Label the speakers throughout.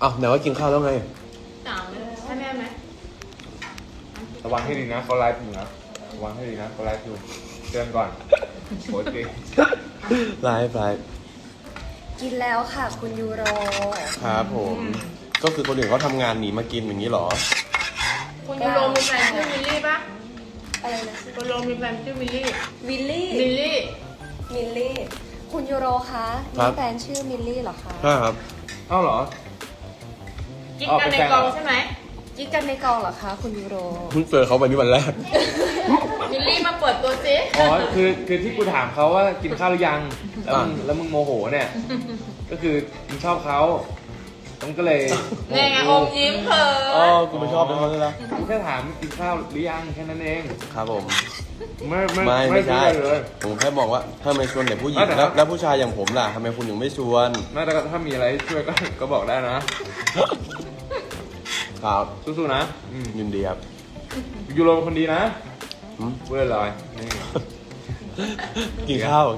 Speaker 1: อ้าวไหนว่ากินข้าวแล้วไง
Speaker 2: ถามให้แม่ไหม
Speaker 3: ระวังให้ดีนะเขาไลฟ์อยู่นะระวังให้ดีนะเขาไลฟ์อยู่เตือนก่อนโคตรจริง
Speaker 1: ไลฟ์
Speaker 4: กินแล้วค่ะคุณยูโร
Speaker 1: ครับผม ก็คือคนอื่นเขาทำงานหนีมากินอย่างนี้เหรอ
Speaker 2: คุณยูโรมีแฟนชื่อมิลลี่ปะ
Speaker 4: อะไรนะ
Speaker 2: คุณยูโรมีแฟนชื่อมิลลี่
Speaker 4: วิลลี่
Speaker 2: มิลลี่
Speaker 4: มิลลี่ คุณยูโรคะ
Speaker 1: ครั
Speaker 4: มี
Speaker 1: บ
Speaker 4: แฟนชื่อมิลลี่เหรอคะ
Speaker 1: ใช่ครับ
Speaker 3: เอ้าเหรอ
Speaker 2: กิ๊กกันในกองใช่ไหม
Speaker 4: กิ๊กกันในกองเหรอคะคุณยูโร
Speaker 1: เพิ่งเจอเขาวันนี้วันแรก
Speaker 2: มิลลี่มาเปิดตัวสิ
Speaker 3: อ๋อคือที่กูถามเขาว่ากินข้าวหรือยังแล้วมึงโมโหเนี่ยก็คือมึงชอบเขาต้องก็เลย
Speaker 2: นี่ไงอมยิ้มเขิ
Speaker 1: อ๋อน กูไม่ชอบเป็นเขาเลยนะ
Speaker 3: กูแค่ถามกินข้าวหรือยังแค่นั้นเอง
Speaker 1: ครับผม
Speaker 3: ไม่
Speaker 1: ใช่
Speaker 3: เลย
Speaker 1: ผมแค่บอกว่าถ้าไม่ชวนแต่ผู้หญิง
Speaker 3: แต่
Speaker 1: แล้วผู้ชายอย่างผมล่ะทำไมคุณถึงไม่ชวน
Speaker 3: ไม่แต่ถ้ามีอะไรช่วยก็บอกได้นะครับ สู้ๆนะ
Speaker 1: ยินดีครับ
Speaker 3: ยูโรเป็นคนดีนะ
Speaker 1: หืม
Speaker 3: เว้ยลอยนี่
Speaker 1: กินข้าว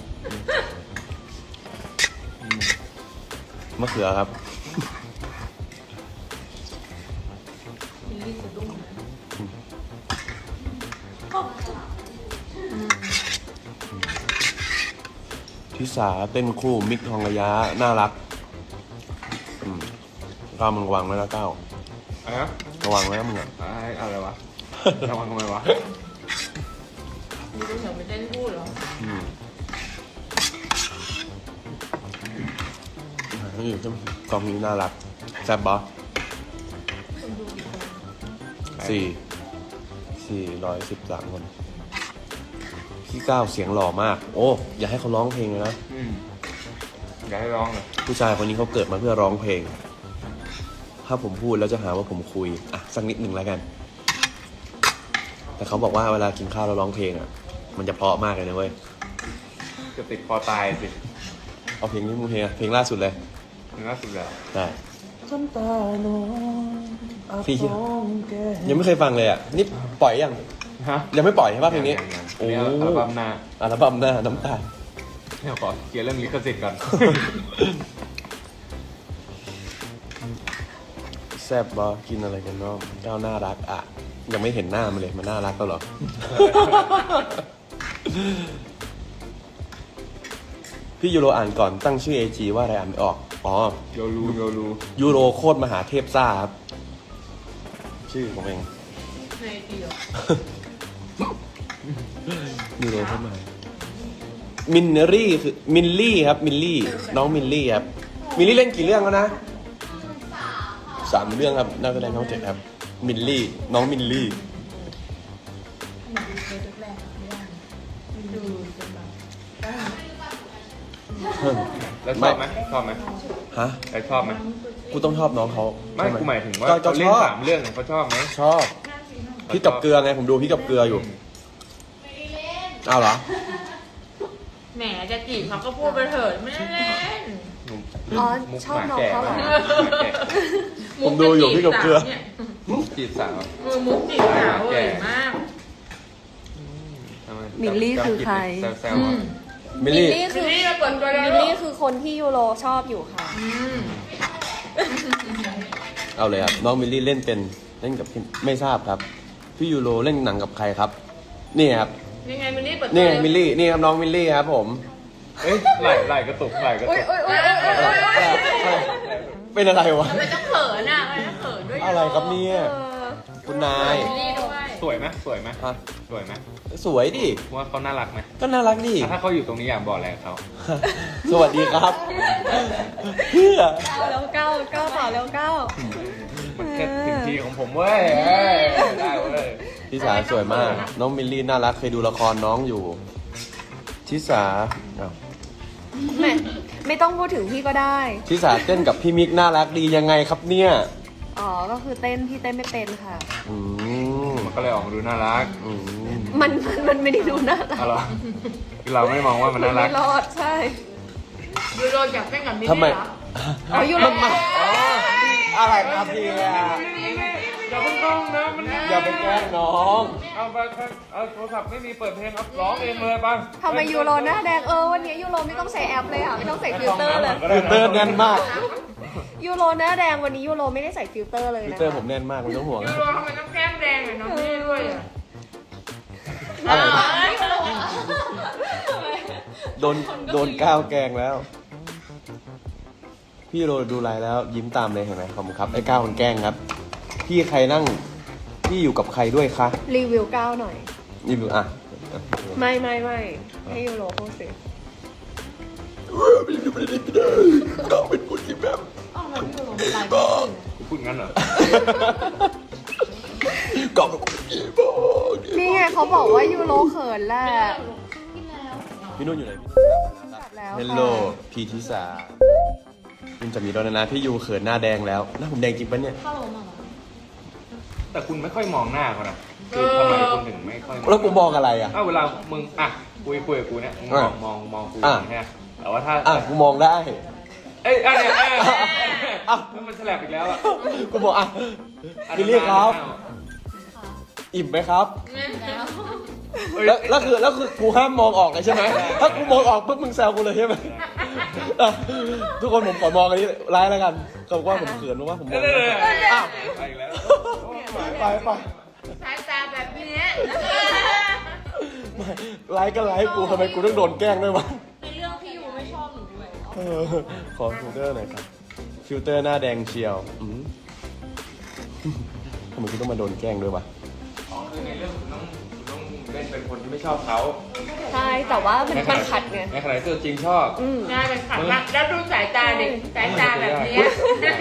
Speaker 1: มะเขือครับ
Speaker 2: มิลลี่สะดุ้งนะ
Speaker 1: ทิสาเต้นคู่มิกทองระยะน่ารักก้าวมึงระวังไว้นะก้าว
Speaker 3: อะไรนะ
Speaker 1: ระวังไว้นะมึงอ่ะ
Speaker 3: อะไรวะระวังทำไมวะ
Speaker 2: มิลลี่เหรอไปเต้นพูดเหรอ
Speaker 1: นี่อยู่กองนี้น่ารักแซ่บบอ413 คนพี่ก้าวเสียงหล่อมาก โอ้อย่าให้เขาร้องเพลงเลยนะ
Speaker 3: อยากให้ร้องเลย
Speaker 1: ผู้ชายคนนี้เขาเกิดมาเพื่อร้องเพลง ถ้าผมพูดแล้วจะหาว่าผมคุยอ่ะสักนิดหนึ่งแล้วกัน แต่เขาบอกว่าเวลากินข้าวแล้วร้องเพลงอ่ะมันจะเพราะมากเลยนะเว้ย
Speaker 3: จะติดคอตายสิ
Speaker 1: เอาเพลงนี้มึงเพลงล่าสุดเลย
Speaker 3: เนื้อสุดแล้ว
Speaker 1: ได้พี่ยังไม่เคยฟังเลยอ่ะนี่ปล่อยยัง
Speaker 3: ฮะ
Speaker 1: ยังไม่ปล่อยใช่ป่ะเพลงนี้
Speaker 3: โอ้อัลบั้มหน้า
Speaker 1: อัลบั้มหน้าน้ำตา
Speaker 3: เดี๋ยวขอเคลียร์เรื่องลิขสิทธิ์ก่อน
Speaker 1: แซ่บบอกินอะไรกันเนาะก้าวน่ารักอ่ะยังไม่เห็นหน้ามันเลยมันน่ารักแล้วเหรอ พี่ยูโรอ่านก่อนตั้งชื่อ AG ว่าอะไรอ่านไม่ออกอ๋อ
Speaker 3: โยรู
Speaker 1: ยูโรโคตรมหาเทพซ่าครับชื่อผมเอง
Speaker 2: ในเดียว
Speaker 1: ยูโรเข้ามามินรี่คือมินลี่ครับมินลี่น้องมินลี่ครับมินลี่เล่นกี่เรื่องแล้วนะ3 เรื่องครับน่าจะได้น้อง7ครับมินลี่น้องมินลี่
Speaker 2: ดูจนแบบ
Speaker 3: แล้วชอบไหมชอบไหม
Speaker 1: ฮะ
Speaker 3: แล้วชอบไหม
Speaker 1: กูต้องชอบน้องเขา
Speaker 3: ไม่
Speaker 1: ใช่
Speaker 3: กูหมายถึงว่า
Speaker 1: ก็
Speaker 3: เขาเล่น
Speaker 1: ชอบ
Speaker 3: 3 เรื่องเนี่ยเขาชอบไหม
Speaker 1: ชอบพี่กับเกลือไงผมดูพี่กับเกลืออยู่อ้าวเหรอ
Speaker 2: แหมจะจีบเขาก็พูดไปเถิดไม่ได้เล่น
Speaker 4: อ๋อชอบน้องเขาเหรอ
Speaker 1: ผมดูอยู่พี่กับเกลือ
Speaker 3: มุกจีบสาว
Speaker 2: มุกจีบสาวเว้ยมาก
Speaker 3: ทำไ
Speaker 4: มิลลี่คือใคร
Speaker 3: แซวๆอ่ะ
Speaker 1: มิล
Speaker 4: มิล
Speaker 1: ลี่
Speaker 4: ลี่คือ
Speaker 2: มิลลี่มาเปิดตัวแล้ว
Speaker 4: มิลลี่คือคนที่ยูโรชอบอยู่ค่ะ
Speaker 1: เอาเลยครับน้องมิลลี่เล่นเป็นเล่นกับพี่ไม่ทราบครับพี่ยูโรเล่นหนังกับใครครับนี่ครับ
Speaker 2: ยังไงมิลลี่เปิดตัว
Speaker 1: นี่มิลลี่นี่ครับน้องมิลลี่ครับผม
Speaker 3: เอ้ยไหลกระตุกไหลกระตุ
Speaker 4: อุ้ย
Speaker 3: ก
Speaker 4: อุ้ยอุ้ยอุ้ย
Speaker 1: เป็นอะไรวะ
Speaker 2: ทำไมต้องเขินอ่ะทำไมต้องเขินด้วย
Speaker 1: อะไรครับเนี่ยคุณนาย
Speaker 2: มิลลี่ด้วย
Speaker 3: สวยไหมสวยไหม
Speaker 1: ฮะ
Speaker 3: สวยไหม
Speaker 1: สวยดิ
Speaker 3: ว่าเขาน่ารักไหม
Speaker 1: ก็น่ารักดิ
Speaker 3: ถ้าเขาอยู่ตรงนี้อยากบอกอะไรกับเขา
Speaker 1: สวัสดีครับเพื่อ
Speaker 4: แล้วเก้าต่อแล้วเก้า
Speaker 3: มันแค่ถึงทีของผมเว้ยเอ้ยได้เว้ย
Speaker 1: ทิสาสวยมาก น้องมิลลี่น่ารักเคยดูละครน้องอยู่ทิสาอ้าว
Speaker 4: ไม่ต้องพูดถึงพี่ก็ได้
Speaker 1: ทิสาเต้นกับพี่มิกน่ารักดียังไงครับเนี่ย
Speaker 4: อ๋อ ก็คือเต้นพี่เต้นไม่เป็นค่ะ
Speaker 1: อืม
Speaker 3: มันก็เลยออกมาดูน่ารัก
Speaker 1: อืม
Speaker 4: มันไม่ได้ดูน่ารัก
Speaker 3: อะไรคือเราไม่มองว่ามันน่ารัก
Speaker 4: ไม่รอดใช่
Speaker 2: ยูโรอยากเต้นกับมิล
Speaker 1: ทำไม
Speaker 2: ลี่เหรอ
Speaker 4: อ๋อยูโร
Speaker 1: อะไรครับพี่
Speaker 3: อย่าเพิ่งร้องนะมัน
Speaker 1: อย่าไปแกล้งน้อง
Speaker 3: เอาไปเอาโทรศัพท์ไม่มีเปิดเพลงเอาร้องเองเลยป่ะ
Speaker 4: ทำไมยูโรหน้าแดงวันนี้ยูโรไม่ต้องใส่แอปเลยค่ะไม่ต้องใส่ฟิลเตอร์เลย
Speaker 1: ฟิลเตอร์แน่นมาก
Speaker 4: ยูโรหน้าแดงวันนี้ยูโรไม่ได้ใส่ฟิลเตอร์เลย
Speaker 1: ฟิล
Speaker 4: นะ
Speaker 1: เตอร์ผมแน่นมากไม่ต้องห่วง
Speaker 2: ยูโรทำไมต้องแก้มแดงกับน้องพี่ด้วยอ่ะ
Speaker 1: อะไร
Speaker 2: อ้าว
Speaker 1: โดนก้าวแกงแล้ว พี่โรดูไลน์แล้วยิ้มตามเลยเห็นไหมขอบคุณครับไอ้ก้าวคนแกล้งครับ พี่ใครนั่งพี่อยู่กับใครด้วยคะ
Speaker 4: รีวิวก้าวหน่อย
Speaker 1: นี่ดูอ่ะ
Speaker 4: ไม่ให้ยูโรพูดสิ
Speaker 1: ก้าวเป็นคนที่แบบ
Speaker 3: กูพูดงั้นเหรอ
Speaker 1: ก้าวเป็นคนที่บ้า
Speaker 4: นี่ไงเขาบอกว่ายูโรเขินแหละ
Speaker 1: พี่นุ่นอยู่ไหน
Speaker 4: กลับแล้ว
Speaker 1: เฮลโลพีทิสาคุณจะมีด้วยนะพี่ยูเขินหน้าแดงแล้วหน้าผมแดงจริงปะเนี่ย
Speaker 3: แต่คุณไม่ค่อยมองหน้าเขานะคือทำไมคุณถึงไม่ค่อย
Speaker 1: แล้วกูมองอะไรอ่ะ
Speaker 3: เวลามึงอ่ะคุยกับกูเนี่ยมึงมองกู
Speaker 1: อ่ะ
Speaker 3: ใช่ไหมแต่ว่าถ้า
Speaker 1: อ่ะกูมองได้
Speaker 3: เอ้ยอันเนี้ย
Speaker 1: อ่ะ
Speaker 3: มันแฉลบอีกแล้วอ่ะ
Speaker 1: กูบอกอ่ะพี่เรียกครับ อิ่มไหมครับ แล้วคือกูห้ามมองออกเลยใช่ไหม ถ้ากูมองออกปุ๊บมึงแซวกูเลยใช่ไหมอ่ะทุกคนผมขอมองอันนี้ไลน์แล้วกันเขาบอกว่าผมเขินเพราะว่าผมมองอ้าว
Speaker 3: ไปอีกแล้ว
Speaker 1: ไป
Speaker 2: สายตาแบบเนี้ย
Speaker 1: ไม่ไลน์ก็ไลน์กูทำไมกูต้องโดนแกล้งด้วยวะ
Speaker 2: ในเรื่องพี่ยูไม่ชอบหนูเลย
Speaker 1: เออขอฟิลเตอร์หน่อยครับ ฟิลเตอร์หน้าแดงเชียวทำไมกูต้องมาโดนแกล้งด้วยวะ
Speaker 3: อ๋อคือในเรื่องคุณต้องเล่นเป็นคนที่ไม่ชอบเขา
Speaker 4: ใช่แต่ว่ามันขัดไง
Speaker 3: ในขณะที่ตัวจริงชอบ
Speaker 2: น่าเป็นขัดมากแล้วดูสายตาเด็กสายตาแบบเนี้ย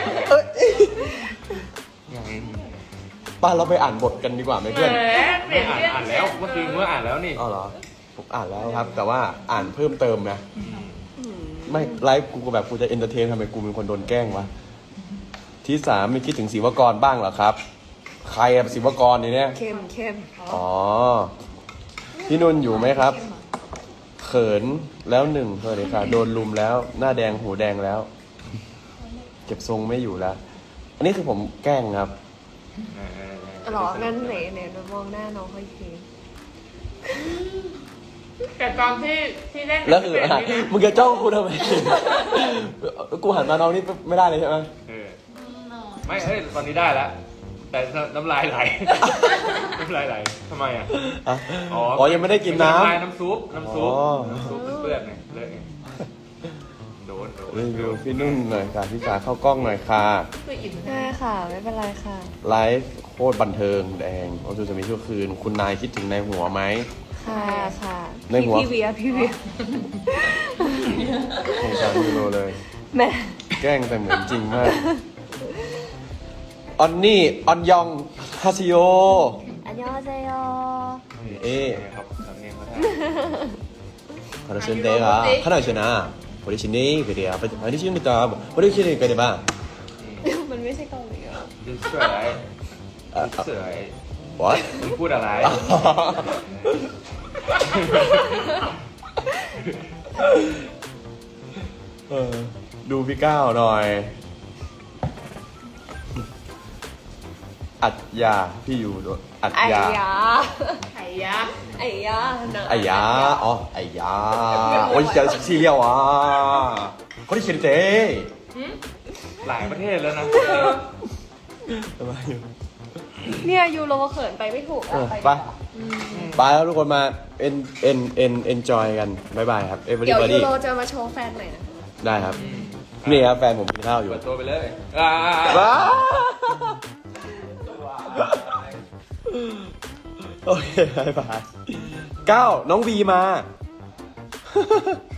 Speaker 1: ป้าเราไปอ่านบทกันดีกว่าไหมเพื่อน
Speaker 2: เปลี่ยนเรื่อง
Speaker 3: อ่านแล้วเมื่อคืนเมื่ออ่านแล้วนี่
Speaker 1: อ๋อเหรอ ผมอ่านแล้วครับ แต่ว่าอ่านเพิ่มเติมนะ ไม่ไลฟ์กูก็แบบกูจะเอนเตอร์เทนทำไมกูเป็นคนโดนแกล้งวะ ที่สามไม่คิดถึงศิวกรบ้างเหรอครับ ใครอะศิวกรเนี่ย
Speaker 4: เข้ม
Speaker 1: อ๋อ พี่นุ่นอยู่ไหมครับ เขินแล้วหนึ่งสวัสดีค่ะ โดนลุมแล้วหน้าแดงหูแดงแล้ว เก็บทรงไม่อยู่แล้ว อันนี้คือผมแกล้งครับ
Speaker 4: หรองั้นไหนมองหน้าน้องเขาอีกที
Speaker 2: แต่ตอนที่เล่น
Speaker 1: แล้วคืออะไรมึงจะจ้องกูทำไม กูหันมาน้องนี่ไม่ได้เลยใช่ไหม
Speaker 3: ไม่เฮ้ยตอนนี้ได้แล้ว แต่น้ำลายไหล น้ำลายไหลทำไมอ่ะ
Speaker 1: อ่ะอ๋อยังไม่ได้กินน้ำ
Speaker 3: น้ำซุป
Speaker 1: อ๋อ
Speaker 3: น้ำซุปเปื้อนๆไงเลิกไงโดน
Speaker 1: รีวิวพี่นุ่นหน่อยค่ะพี่สาเข้ากล้องหน่อยค่ะ
Speaker 2: คืออิ่ม
Speaker 4: ได้ค่ะ ไม่เป็นไรค่ะ
Speaker 1: ไลฟ์โคตรบันเทิงแดงโอ้จูจะมีชั่วคืน คุณนายคิดถึงในหัวไหม
Speaker 4: ค่ะ
Speaker 1: ในหัว
Speaker 4: พี่เวีย
Speaker 1: สงสารยูโรเลย
Speaker 4: แม่
Speaker 1: แกล้งแต่เหมือนจริงมาก ออนนี่ ออนยอง ฮาซิโย
Speaker 4: อันยองเซโย
Speaker 1: เอ๊ะ
Speaker 3: ครับทำเองเขาได้
Speaker 1: คาราเซนเตะค่ะขนาดชนะบริชินีเกเดียไปบริชินีตาบริชินีเกเดียบ้าง
Speaker 4: มันไม่ใช่เกาหลีเหรอ
Speaker 3: ดิสสวยดิสสวย
Speaker 1: what
Speaker 3: มึงพูดอะไร
Speaker 1: ดูพี่ก้าวหน่อย อัดยาพี่อยู่ด้วยอัด
Speaker 4: ไอ้
Speaker 1: ยา
Speaker 4: ยา
Speaker 2: ไข่ยักษ์
Speaker 4: ไอ้ยาหนัง
Speaker 1: ไอ้ยาอ๋อไอ้ยาโอ้ยจะซีเรียลอ่ะคนที่เขียนเต้
Speaker 3: หลายประเทศแล้วนะ
Speaker 1: ทำไม
Speaker 4: เนี่ยยูโรเขินไปไม่ถูกอะไปดีก
Speaker 1: ไป
Speaker 4: ว่า
Speaker 1: ไปแล้วทุกคนมาenjoy กันบ๊ายบายครับ
Speaker 4: เดี๋ยว
Speaker 1: everybody
Speaker 4: ยูโรจะมาโชว์แฟนหน่อยนะ
Speaker 1: ได้ครับ นี่ครับแฟนผมกินข้าวอยู่
Speaker 3: เปิดตัวไปเลย
Speaker 1: ว้าโอเคบายบายก้าวน้องวีมา